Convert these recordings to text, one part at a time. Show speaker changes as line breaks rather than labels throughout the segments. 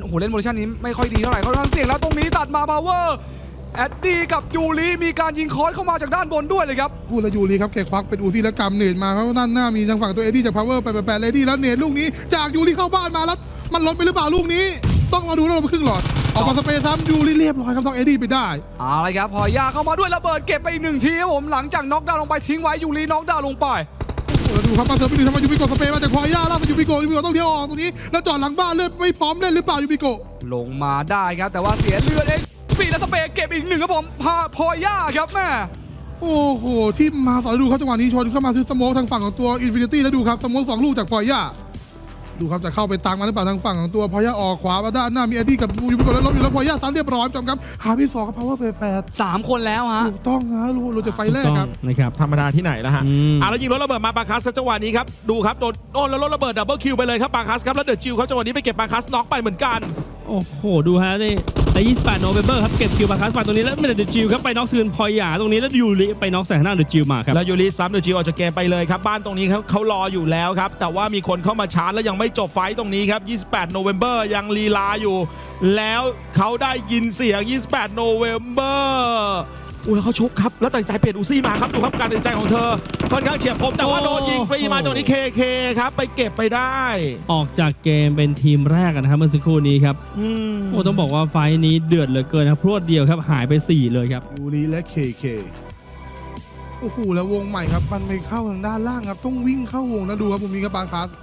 โหเล่นโพซิชั่นนี้ไม่ค่อยดีเท่าไหร่ค่อนข้างเสี่ยงแล้วตรงนี้ตัดมาพาวเวอร์แอดดี้กับยูริมีการยิงคอร์สเข้ามาจากด้านบนด้วยเลยครับ
พูดแล้วยูริครับแกควักเป็นอูซี่และกำเนตมาครับด้านหน้ามีทางฝั่งตัวเอ็ดดี้จากพาวเวอร์ไปเลดี้แล้วเนตลูกนี้จากยูริเข้าบ้านมาแล้วมันล้นไปหรือเปล่าลูกนี้ต้องมาดูแล้วมาครึ่งหลอดออกมาสเปซซ้ำยูริเรียบร้อยครับต้องเอ็ดดี้ไปได้
อะไรครับพอยาเข้ามาด้วยระเบิดเก็บไปอีก1ทีครับผมหลังจากน็อกดาวน์ลงไปทิ้งไว้ยูริน็อกดาวน์ลงไป
แล้วดูครับมาเซิร์ฟไปดูทำไมยูบิโกสเปย์มาจากพอย่าล่าสุดยูบิโกต้องเที่ยวออกตรงนี้แล้วจอดหลังบ้านเลือดไม่พร้อมเล่นหรือเปล่ายูบิโก
ลงมาได้ครับแต่ว่าเสียเลือดเองสปีดและสเปย์เก็บอีก1ครับผมพอย่าครับแม่
โอ้โหที่มาสอนดูครับจังหวะนี้ชนเข้ามาซื้อสโมกทางฝั่งของตัวอินฟินิตี้แล้วดูครับสโมก2 ลูกจากพอย่าดูครับจะเข้าไปตังมาหรือเปล่าทางฝั่งของตัวพอย่าออกขวามาด้านหน้ามีเอ็ดดี้กับยูบิโกแล้วล้มอยู่แล้วพอย่าซ้ำเรียบร้อยจำครับหาพี่2กับพาวเวอร์ไป
3 คนแล้วฮะ
ถูกต้องนะเราจะไฟแรกครับ
นะครับธรรมดาที่ไหนแล้วฮะแล้วยิงรถระเบิดมาบาคัสจังหวะนี้ครับดูครับโดนแล้วรถระเบิดดับเบิลคิวไปเลยครับบาคัสครับแล้วเดอะจิวครับจังหวะนี้ไปเก็บบาคัสน็อกไปเหมือนกัน
โอ้โหดูฮะใน28 โนเวมเบอร์ครับเก็บคิวบาคัสไปตรงนี้แล้วเดอะจิวครับไปน็อกซืนพอยาตรงนี้แล้วยูริไปน็อกใส่หน้าเดอะจิวมาครับ
แล้วยูริซ้ำเดอะจิวออกจากเกมไปเลยครับบ้านตรงนี้เขารออยู่แล้วครับแต่ว่ามีคนเข้ามาชาร์จแล้วยังไม่จบไฟต์ตรงนี้ครับ28 โนเวมเบอร์ยังลีลาอยู่แล้วเขาได้ยินเสียง28 โนเวมเบอร์แล้วเขาชุบครับแล้วตัดใจเปลี่ยนอูซี่มาครับดูครับการตัดใจของเธอค่อนข้างเฉียบคมแต่ว่าโดนยิงฟรีมาตรงนี้เคครับไปเก็บไปได้
ออกจากเกมเป็นทีมแรกนะครับเมื่อสักครู่นี้ครับต้องบอกว่าไฟนี้เดือดเหลือเกินครับพรวดเดียวครับหายไป4เลยครับ
ยูริและเคโอ้โหแล้ววงใหม่ครับมันไปเข้าทางด้านล่างครับต้องวิ่งเข้าวงนะดูครับผมมีกับบาคัส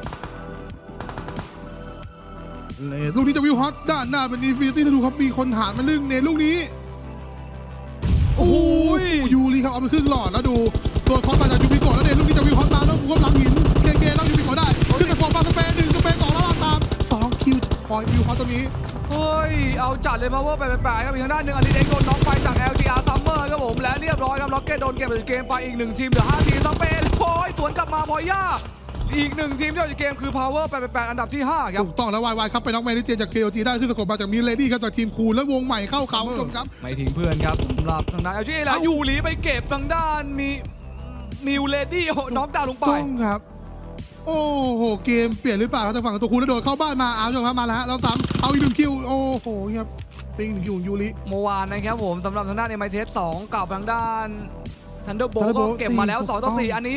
ลูกนี้จะวิวฮอตด้านหน้าเป็นอินฟินิตี้ดูครับมีคนหานมาลึงเนลูกนี้โอ้โหยูริครับเอาไปครึ่งหลอดแล้วดูตัวคอสมาจากยูบิโกะแล้วเนลูกนี้จะวิวฮอตมาแล้วควบหลังหินเคแล้วยูบิโกะได้ขึ้นกับฟอร์มาสเปย์1 สเปย์ 2แล้วตาม2 คิวปล่อยวิวฮอตตรงนี้
เฮ้ยเอาจัดเลยพาวเวอร์ไปครับอีกทางด้านหนึ่งอลิเด็กโดนน็อกไปจาก LGR Summer ครับผมและเรียบร้อยครับล็อกเก็ตโดนเก็บจากเกมไปอีก1 ทีมเหลือ5 ทีมสเปย์โอ้ยสวนกลับมาพอย่าอีก1 ทีมที่ออกจากเกมคือ Power 8อันดับที่5ครับ
ถูกต้องแล้ววายครับไปน็อกแมนดิเจจาก KOG ได้ขึ้นสกบมาจากมิลเลดี้ครับจากทีมคูลและวงใหม่เข้าเขาครับ
ไม่ทิ้งเพื่อนครับสำหรับทางด้าน LGA แล้วยูริไปเก็บทางด้านมิลเลดี้น็อกดาวน์ลงไป
ต้องครับโอ้โหเกมเปลี่ยนหรือเปล่าทางฝั่งตัวคูลแล้วโดนเข้าบ้านมาเอาชมครับมาแล้วฮะเราซ้ำเอาอีก1 คิวโอ้โหครับเป็น1 คิวของยูริ
เมื่อวานนะครับผมสำหรับทางด้าน MITS 2กับทางด้านทันเดอร์โบลก็เก็บมาแล้ว2-4อันนี้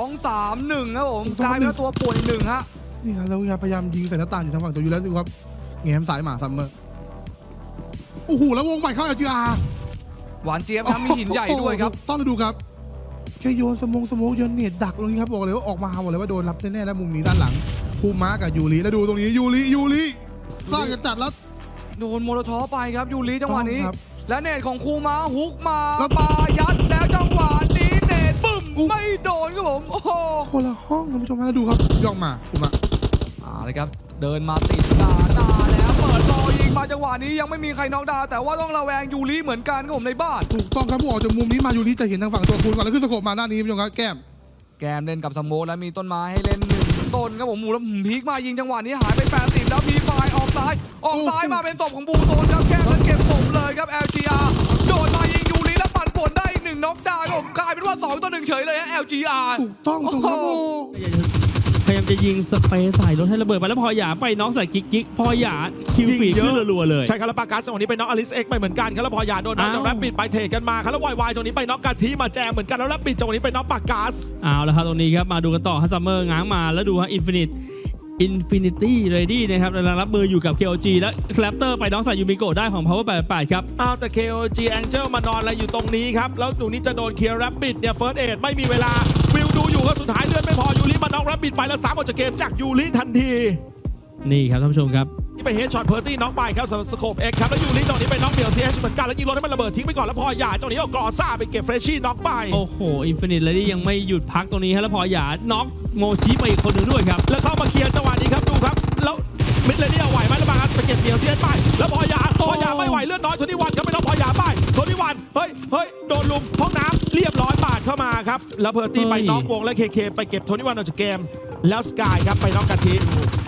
2-3-1ครับผมกลายเป็นตัวป่วนอีก1ฮะ
นี่ครับแล้วพยายามยิงใส่หน้าต่างอยู่ทางฝั่งตัวยูแล้วดูครับแง้มสายหมาซัมเมอร์โอ้โหแล้ววงใหม่เข้าLGR
หวานเจี๊ยบนะมีหินใหญ่ด้วยครับ
ต้องดูครับแค่โยนสโมกโยนเน็ตดักตรงนี้ครับบอกเลยว่าออกมาบอกเลยว่าโดนรับแน่ๆแล้วมุมนี้ด้านหลังคูม้ากับยูริแล้วดูตรงนี้ยูริสร้างกันจัดแล้ว
โดนโมโลทอไปครับยูริจังหวะนี้และเน็ตของคูม้าฮุกมายัดแล้วจังหวะนี้เน็ตบึ้มไม่โดนครับผมโอ้โห
คนละห้องคุณผู้ชมแล้วดูครับย่องมาคูม้า
เลยครับเดินมาติดตาแล้วเปิดรอยิงมาจังหวะนี้ยังไม่มีใครน็อกดาวน์แต่ว่าต้องระแวงยูริเหมือนกันครับผมในบ้าน
ถูกต้องครับผู้ออกจากมุมนี้มายูริจะเห็นทางฝั่งตัวคูลก่อนแล้วขึ้นสกบมาด้านนี้คุณผู้ชมครับแก้ม
เล่นกับสโมกแล้วมีต้นไม้ให้เล่น1 ต้นครับผมมูแล้วพีคมายิงจังหวะนี้หายไป80แล้วมีไฟออกซ้ายมาเป็นศพของบูโซนครับแก้มแล้วเก็บศพเลยครับ LGR โดนมายิงยูริแล้วปัดผลได้อีก1น็อกดาวน์ผมกลายเป็นว่า2-1เฉยเลยฮะ LGR
ถูกต้องครับ
พยายามจะยิงสเปซใส่รถให้ระเบิดไปแล้วพอหยาไปน็อกใส่กิ๊กพอหยาคิวฟีขึ้นรัวเลย
ใช่ครับแล้วปากัสตรงนี้ไปน็อกอลิสเอ็กไปเหมือนกันครับแล้วพอหยาโดนน็อกจากแรปปิดไปเทกันมาครับแล้ววายตรงนี้ไปน็อกกาทีมาแจมเหมือนกันแล้วแรปปิดตรงนี้ไปน็อกปากัส
เอาละครับตรงนี้ครับมาดูกันต่อฮัสซัมเมอร์ง้างมาแล้วดูฮะอินฟินิตี้เรดี้นะครับกำลังรับมืออยู่กับ KOG และแคลปเตอร์ไปน็อกใส่ยูมิโกะได้ของ Power 88ครับ
แต่ KOG Angel มานอนอะไรอยู่ตรงนี้ครับแล้วตรงนี้จะโดนเคลียร์แรปปิดเนี่ยเฟิร์สเอดไม่มีเวลาวิวดูอยู่ก็สุดท้ายเลือดไม่พอยูริมาน็อกแรปปิดไปแล้ว3ออกจากเกมจากยูริทันที
นี่ครับท่านผู้ชมครับ
นี่ไปเฮดช็อตเพอร์ตี้น็อกไปครับสำหรับสโคปเอ็กครับแล้วยูริตรงนี้ไปน็อกเดี่ยวซีเอชเหมือนกันแล้วยิงรถให้มันระเบิดทิ้งไปก่อนแล้วพอหยาตรงนี้เอากรอซ่าไปเก็บเฟรชชี่น็อกไป
โอ้โหอินฟินิตเลยที่ยังไม่หยุดพักตรงนี้แล้วพอหยาน็อกโมชิไปอีกคนหนึ่งด้วยครับ
แล้วเข้ามาเคลียร์จังหวะนี้ครับดูครับแล้วมิดเลยนี่เอาไหวไหมแล้วบางอันไปเก็บเดี่ยวซีเอชไปแล้วพอหยาไม่ไหวเลือดน้อย21ครับไม่ต้องพอหยาไป21เฮ้ยโดนลุมห้องน้ำเรียบร้อยปาดเข้ามาครับแล้วเพอร์ตี้ไปน็อกวงและเคไปเก็บ21ออกจากเกมแล้วสกายครับไปน็อกกะทิ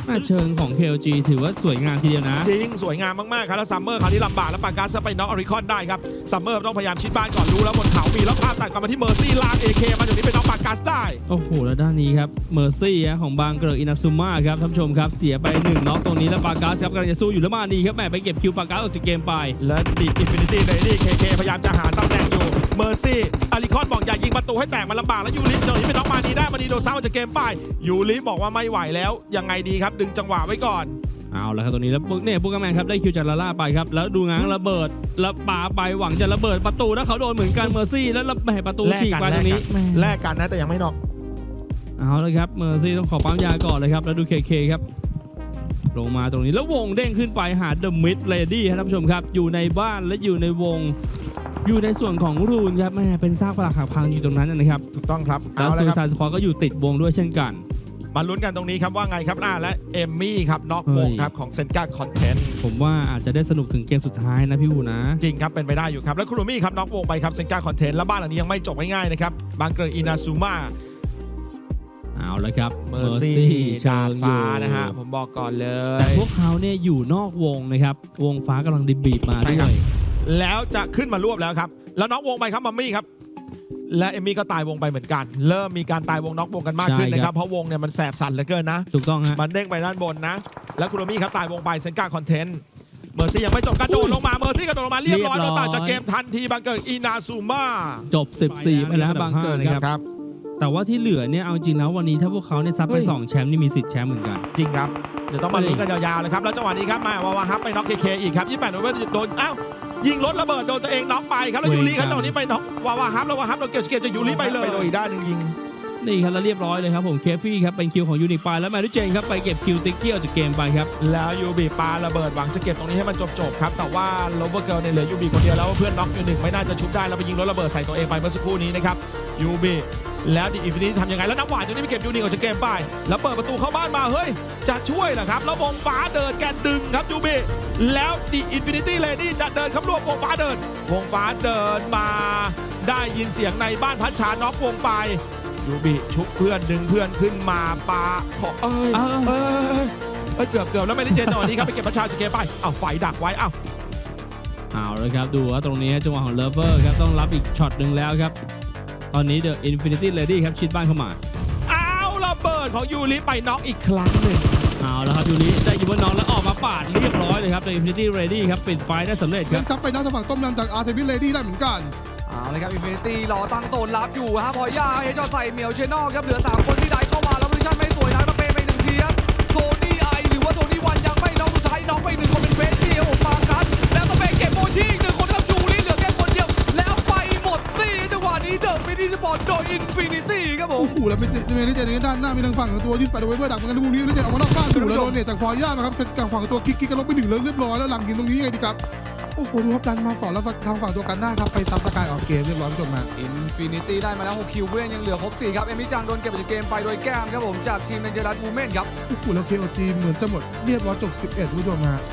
เชิงของ KLG ถือว่าสวยงามทีเดียวนะ
จริงสวยงามมากๆครับแล้วซัมเมอร์คราวนี้ลำบากแล้วปากัสไปน็อกอริคอนได้ครับซัมเมอร์ต้องพยายามชิดบ้านก่อนรู้แล้วบนเขามีแล้วภาพตัดกลับมาที่เมอร์ซี่ลาก AK มาจากนี้เป็นน็อกปากัสได้
โอ้โหแล้วด้านนี้ครับเมอร์ซี่ของบางเกอร์อินาซุม่าครับท่านผู้ชมครับเสียไป1น็อกตรงนี้แล้วปากัสครับกำลังจะสู้อยู่แล้วมาดีครับแหมไปเก็บคิวปากัสออกจากเกมไป
และดีอินฟินิตี้เลยนี่เคพยายามจะหาตำแหน่งอยู่เมอร์ซี่อาริคอนบอกอย่ายิงประตูให้แตกมันลำบากแล้วยูริตรงนี้เป็นน็อกมาดีได้มาดีโดนซ้ำออกจากเกมไปยูริบอกว่าไม่ไหวแล้วยังไงดีครับดึงจังหวะไว้ก่อน
เอาละครับตรงนี้แล้วเนี่ยบุกแมนครับได้คิวจากลาล่าไปครับแล้วดูง้างระเบิดแล้วปาไปหวังจะระเบิดประตูแล้วเขาโดนเหมือนกันเมอร์ซี่แล้วแหมประตูฉีกไปตรงนี้แหม
แลกกันนะแต่ยังไม่น็อก
เอาละครับเมอร์ซี่ต้องขอปั๊มยาก่อนเลยครับแล้วดูเคครับลงมาตรงนี้แล้ววงเด้งขึ้นไปหาเดอะมิดเลดี้ครับท่านผู้ชมครับอยู่ในบ้านและอยู่ในวงอยู่ในส่วนของรูนครับแม่เป็นซากปรักหักพังอยู่ตรงนั้นนะครับ
ถูกต้องครับ
แล้ว
เอา
ซู
ละค
ซา
รับ
ยสควอตก็อยู่ติดวงด้วยเช่นกัน
มาลุ้นกันตรงนี้ครับว่าไงครับและเอมมี่ครับน็อกวงครับของเซนกาคอนเทนต์
ผมว่าอาจจะได้สนุกถึงเกมสุดท้ายนะพี่อูนะ
จริงครับเป็นไปได้อยู่ครับแล้วคุโรมี่ครับน็อกวงไปครับเซนกาคอนเทนต์แล้วบ้านหลังนี้ยังไม่จบง่ายๆนะครับบางเกอร์อินาซูมา
เอาละครับ
เมอร์ซี่ดาดฟ้านะฮะผมบอกก่อนเล
แต่
ย
พวกเขาเนี่ยอยู่นอกวงนะครับวงฟ้ากำลังดิบบีบมา
ใช่
ด้
ครั
ว
บ
ย
แล้วจะขึ้นมารวบแล้วครับแล้วน็อกวงไปครับมัมมี่ครับและเอมมี่ก็ตายวงไปเหมือนกัน เริ่มมีการตายวงน็อกวงกันมากขึ้นนะครับเพราะวงเนี่ยมันแสบสั่นเหลือเกินนะ
ถูกต้องฮะ
มันเด้งไปด้านบนนะ แล้วคุโรมี่ครับตายวงไปเซนกาคอนเทนต์เมอร์ซี่ยังไม่จบกระโดดลงมาเมอร์ซี่กระโดดลงมาเรียบร้อยโดนตัดจากเกมทันทีบางเกิดอินาซูมา
จบ 14 ไปแล้วบางเกิดนะครับ
ครับ
แต่ว่าที่เหลือเนี่ยเอาจริงแล้ววันนี้ถ้าพวกเขาเนี่ยซับไป2แชมป์นี่มีสิทธิ์แชมป์เหมือนกัน
จริงครับเดี๋ยวต้องมาลุ้นกันยาวๆเลยครับแล้วจังหวะนี้ครับมาวาฮับไปน็อกเคอีกครับ28โอเวอร์โดนอ้าวยิงรถระเบิดโดนตัวเองน็อกไปครับแล้วยูริครับจังหวะนี้ไปน็อกวาฮับแล้ววาฮับโดนเก็บจากยูริไปเลยโดนอีกด้านหนึ่งยิง
นี่ครับแล้วเรียบร้อยเลยครับผมเคฟี่ครับเป็นคิวของยูนิคไปแล้วแมรี่เจนครับไปเก็บคิวติ๊กเกี้ยวจากเกมไปครับ
แล้วยูบีปาระเบิดหวังจะเก็บตรงนี้ให้มันจบๆครับแต่ว่าโลเวอร์เกิร์ลเนี่ยเหลือยูบีคนเดียวแล้วเพื่อนน็อกอยู่หนึ่งไม่น่าจะชุบได้แล้วไปยิงรถระเบิดใส่ตัวเองไปเมื่อสักครู่นี้นะครับยูบีแล้วดิอินฟินิตี้ทำยังไงแล้วน้ำหวานตรงนี้ไปเก็บยูนิคออกจากเกมไปแล้วเปิดประตูเข้าบ้านมาเฮ้ยจะช่วยเหรอครับแล้ววงฟ้าเดินแกนดึงครับยูบีแล้วดิอินฟินิตี้เลดี้จะเดินเข้ารวบวงฟ้าเดินมาได้ยินเสียงในบ้านพัชชาน็อกวงไปยูบีชุบเพื่อนดึงเพื่อนขึ้นมาปาขอเกือบแล้วไม่ได้เจนตอนนี้ครับไปเก็บประชาจากเกมไปอ้าวไฟดักไว้อ้าว
เอาเลยครับดูว่าตรงนี้จังหวะของเลเวอร์ครับต้องรับอีกช็อตหนึ่งแล้วครับตอนนี้เดอะอินฟินิตี้เลดี้ครับชิดบ้านเข้ามา
อ้าวระเบิดของยูริไปน็อกอีกครั้งหนึ่ง
เอาแล้วครับยูริได้ยิงบนน้องแล้วออกมาปาดเรียบร้อยเลยครับเดอะอินฟินิตี้เลดี้ครับปิดไฟได้สำเร็จค
เล่
รับ
นซับไปน็อกทางฝั่งต้มยำจากอาร์เทมิสเลดี้ได้เหมือนกัน
เอาเลยครับอินฟินิตี้รอตั้งโซนรับอยู่ฮะพอย่าเฮจอใส่เหมียวเชนนอลครับเหลือ3คนที่ได้เข้ามาแล้วโพซิชั่นไม่สวยนะมาเปไป1ทีครับโทนี่ไอหรือว่าโทนี่วันยังไม่น็อกสุดท้ายน็อกไป1คนเป็นเฟสชี่ครับผมปากัสแล้วมาเปเก็บโมชี่อีก1คนครับยูริเหลือแค่คนเดียวแล้วไปหมดตีจังหวะนี้เดอะมินิสปอร์ตโดยอินฟินิตี้ครับผม
โอ้โหแล้วไม่ได้เจในด้านหน้ามีทางฝั่งของตัวที่ไปโดยเพื่อดักเหมือนกันลูกนี้ไม่ได้เจออกมานอกบ้านดูแล้วโดนเนี่ยจากฟอยย่ามาครับเป็นกลางฝั่งตัวกิ๊กกันลงไป1แล้วเรียบร้อยแล้วหลังยิงตรงนี้ยังไงดีครับโอ้โหดูครับดันมาสอนแล้วทางฝั่งตัวกันหน้าครับไปซับสกายออกเกมเรียบร้อยผู้ชมฮะ
อินฟินิตี้ได้มาแล้ว6คิวผู้เล่นยังเหลือครบ4ครับเอมิจังโดนเก็บไปจากเกมไปโดยแก้มครับผมจากทีมเนเจอรัสบูเมนครับ
โอ้โหแล้ว KOG เหมือนจะหมดเรียบร้อยจบ11ผู้ชมฮะ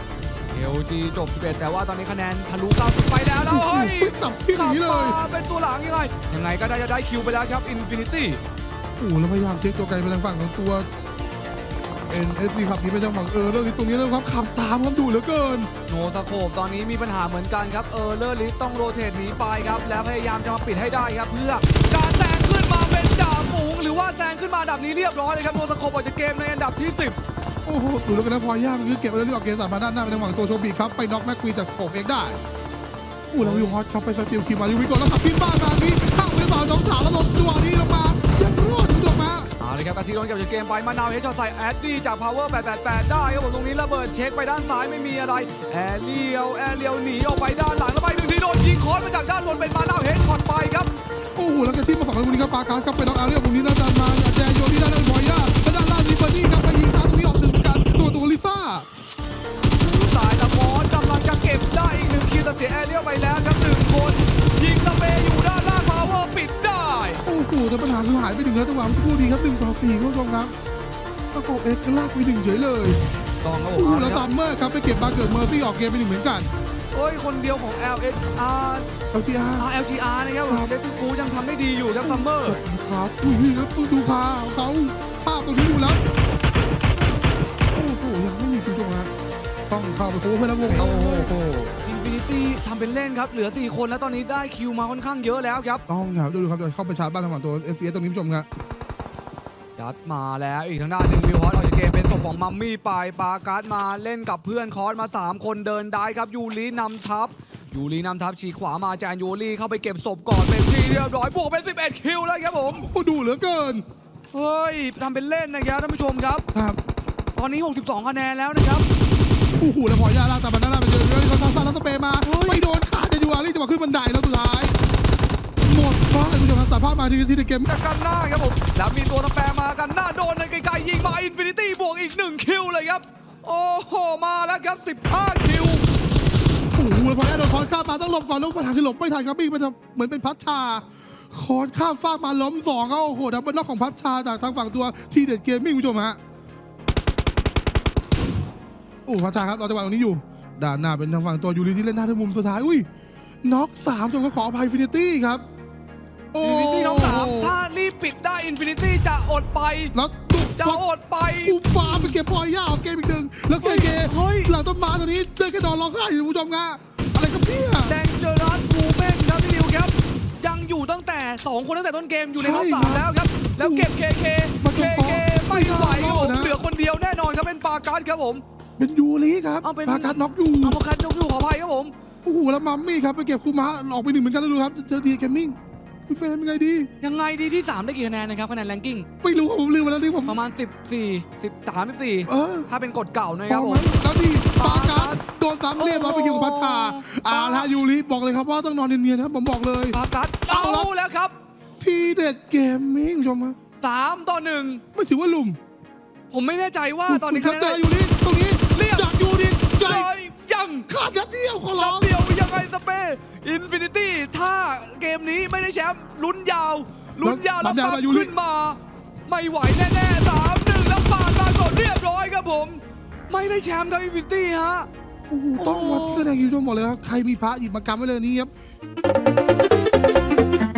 LG จบ11แต่ว่าตอนนี้คะแนนทะลุ90ไปแล้วแล้วเฮ้ย
สับที่ห
กลับ
นีเลย
มาเป็นตัวหลังยังไงก็ได้จะได้คิวไปแล้วครับอินฟินิตี้
โอ้โหแล้วพยายามเช็คตัวไกลไปทางฝั่งของตัว NSC ขับหนีไปทางฝั่งเรื่องนี้ตรงนี้แล้วครับขับตามครับดูเหลือเกิน
โนสโคปตอนนี้มีปัญหาเหมือนกันครับเลอร์ลิสต้องโรเตทหนีไปครับแล้วพยายามจะมาปิดให้ได้ครับเพื่อการแซงขึ้นมาเป็นจ่าฝูงหรือว่าแซงขึ้นมาอันดับนี้เรียบร้อยเลยครับโนสโคปออกจากเกมในอันดับที่10
โอ้โหดูแล้วกันนะพอย่ามันคือเก็บไว้เรื่องออกเกมสามมาด้านหน้าไปทางฝั่งตัวโชบีครับไปน็อกแม็กควีนจากโขบเองได้โอ้แล้ววิวฮอตครับไปสติลคิวมาลิวิโกแล้วขับขึ้นบ้านมานี้ข้างไปเปล่าน้องสาวแล้วลงจังหวะนี้ลงมายังรอดคุณผู้ชมฮะ
เอาเลยครับกาซิโดนเก็บจากเกมไปมานาวเฮดช็อตใส่แอดดี้จาก Power 888 ได้ครับผมตรงนี้ระเบิดเช็คไปด้านซ้ายไม่มีอะไรแอเรียวหนีออกไปด้านหลังแล้วไป1ทีโดนยิงคอนมาจากด้านบนเป็นมานาวเฮดช็อตไปครับ
โอ้โหแล้วกันที่มาฝั่งตรงนี้ครับปาการครับไปน็อกอาเรียตรงนี้แล้วดันมาแจโยนี่ด้านพอย่าและด้านล่างมีเบอร์ดี้ครับไปยิงซ้ายตรงนี้ออกหนึ่งเหมือนกันตัวลิซ่า
สายตะมอนกำลังจะเก็บได้อีก1คิวแต่เสียแอเรียลไปแล้วครับ1คนยิงสเปย์อยู่ด้านล่าง Power ปิดได้
โอ้โหแต่ปัญหาคือหายไป1แล้วจังหวะมันคู่ดีครับ1-4คุณผู้ชมครับสโคปเอ็กซ์ลากไป1เฉยเลย
ต้องครับผ
โอ้
ม
โหแล้วซัมเมอร์ครับไปเก็บบาเกิดเมอร์ซี่ออกเกมไป1เหมือนกัน
โอ้ยคนเดียวของ LGR นะครับผมเลติกูยังทำได้ดีอยู่ครับซัมเมอร์
ครับอุ้ยครับดูขาเขาภาพตรงนี้ดูแล้วโอ้โหไปโค้งเพื่อนนะวง
โอ้โหอินฟินิตี้ทำเป็นเล่นครับเหลือ4คนแล้วตอนนี้ได้คิวมาค่อนข้างเยอะแล้วครับ
ต้องครับดูครับจะเข้าไปชาร์จบ้านทางฝั่งตัว SCS ตรงนี้ผู้ชมครับ
ยัดมาแล้วอีกทางด้านหนึ่งวิวฮอตออกจากเกมเป็นศพของมัมมี่ไปปาการ์ดมาเล่นกับเพื่อนคอสมา3คนเดินได้ครับยูรินำทัพฉีกขวามาแจนยูริเข้าไปเก็บศพก่อนเป็นที่เรียบร้อยบวกเป็น11คิวแล้วครับผม
โอ้ดูเหลือเกิน
เฮ้ยทำเป็นเล่นนะครับท่านผู้ชมครับ
ครับ
ตอนนี้62คะแนนแล้วนะครับ
โอ้โหแล้วพอยาลากตามมาหน้าไปเจอเลยเขาซาแล้วสเปย์มาไม่โดนขาจะยูอารี่จะมาขึ้นบันไดแล้วสุดท้ายหมดฟ้าเลยคุณผู้ชมครับตัดภาพมาที่ในเกม
จากกันหน้าครับผมแล้วมีตัวน้ำแปรมากันหน้าโดนในไกลๆยิงมาอินฟินิตี้บวกอีก1คิวเลยครับโอ้โหมาแล้วครับ15คิว
โอ้โหแล้วพอยาโดนคอนข้ามมาต้องหลบก่อนแล้วปัญหาคือหลบไม่ทันครับบี้มันเหมือนเป็นพัชชาคอนข้ามฟากมาล้ม2เขาโอ้โหดับเบิลน็อกของพัชชาจากทางฝั่งตัวทีเด็ดเกมมิ่งคุณผู้ชมฮะโอ้พัชชาครับรอจังหวะตรงนี้อยู่ด้านหน้าเป็นทางฝั่งตัวยูริที่เล่นหน้าที่มุมสุดท้ายอุ้ยน็อก3จนก็ขออภัยฟินิตี้ครับ
อินฟินิตี้น้องสามถ้ารีบปิดได้อินฟินิตี้จะอดไป
แล้วตุ๊ก
จะอดไป
กูฟ้าไปเก็บพอย่าออกเกมอีกหนึ่งแล้วเกหลังต้นไม้ตัวนี้เดินแค่นอนร้องไห้อยู่คุณผู้ชมงะอะไรกับเนี่ย
แดงเจอรัสบูเมนครับพี่ดิวครับยังอยู่ตั้งแต่2คนตั้งแต่ต้นเกมอยู่ในท็อป3แล้วครับแล้วเก็บเคไม่ไหวครับผมเหลือคนเดียวแน่นอนครับเป็นปาการ์ดครับผม
เป็นยูริครับ
เอาเป็น
ปาการน็อกอยู่
เอาปาการ์ดยกอยู่ขออภัยครับผม
โอ้โหแล้วมัมมี่ครับไปเก็บคูม้าออกไป1เหมือนกันแล้วดูครับเจอดีเกมมิ่งคุณเฟรมยังไงดี
ยังไงดีที่3ได้กี่คะแนนนะครับคะแนนแรงกิ้ง
ไม่รู้ครับผมลืมไปแล้วนี่ผม
ประมาณ14 13 14
เออ
ถ้าเป็นกฎเก่านะ
พ
ค
อ
รับผ
ไหม
ม
แล้วดีปาการโดนซ้ำเรียบร้อยไปคิวของพัชชาละยูริบอกเลยครับว่าต้องนอนเนียนๆนะครับผมบอกเลย
ปาการ์ดเอาแล้วครับ
ทีเด็ดเกมมิ่งคุณผู้ชมฮะ
3-1
ไม่ถือว่าลุม
ผมไม่แน่ใจว่าตอนนี้
ครั
คะ
บ
แน
เจอน ยูริตรงนี้
เรียบ
จากยูริใจ
เลยยัง
ขาดยัดเดียวขอร้
จั
อบ ง
เดียวยังไงสเปย์อินฟินิตี้ถ้าเกมนี้ไม่ได้แชมป์ลุ้นยาวแล้วปั๊บขึ้นมา ไม่ไหวแน่ๆ3-1แล้วปาการสดเรียบร้อยครับผม ไม่ได้แชมป์ครับอินฟินิตี้ฮะ
โอ้โหต้องวัดที่คะแนนคิวชมบอกเลยครับใครมีพระหยิบมากำไว้เลยนี่ครับ